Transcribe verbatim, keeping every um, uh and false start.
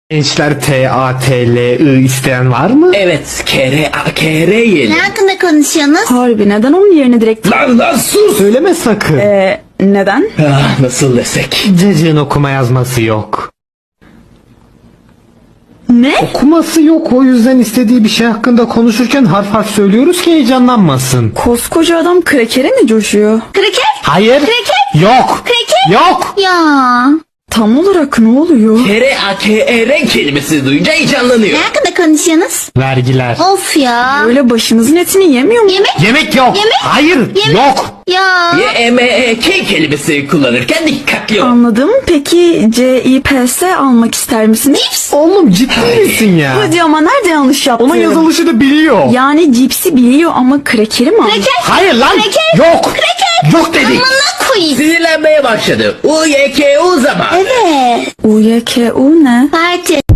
Gençler T A T L I isteyen var mı? Evet, kere a kere yiyelim. Ne hakkında konuşuyorsunuz? Harbi neden onun yerine direkt... Lan lan sus! Söyleme sakın. Ee, neden? Ah, nasıl desek? Cacığın okuma yazması yok. Ne? Okuması yok, o yüzden istediği bir şey hakkında konuşurken harf harf söylüyoruz ki heyecanlanmasın. Koskoca adam krekere mi coşuyor? Kraker? Hayır. Kreket? Yok. Kreket? Yok. Ya. Tam olarak ne oluyor? Kere a kere kelimesi duyunca heyecanlanıyor. Ne hakkında konuşuyorsunuz? Vergiler. Of ya. Öyle başımızın etini yemiyor mu? Yemek? Yemek yok. Yemek? Hayır. Yemek? Yok. Ya. Y e m e k kelimesi kullanırken dikkatli ol. Anladım. Peki C I P S almak ister misiniz? Cips? Oğlum ciddi misin ya? Hadi ama nerede yanlış yaptım? Onun yazılışı da biliyor. Yani cipsi biliyor ama krekeri mi aldı? Kraker? Hayır lan. Kreket? Yok. Kreket? Yok dedik. Amına koyayım. Sinirlenmeye başladı. U y k u zaman. Evet. U Y K U ne? Parti.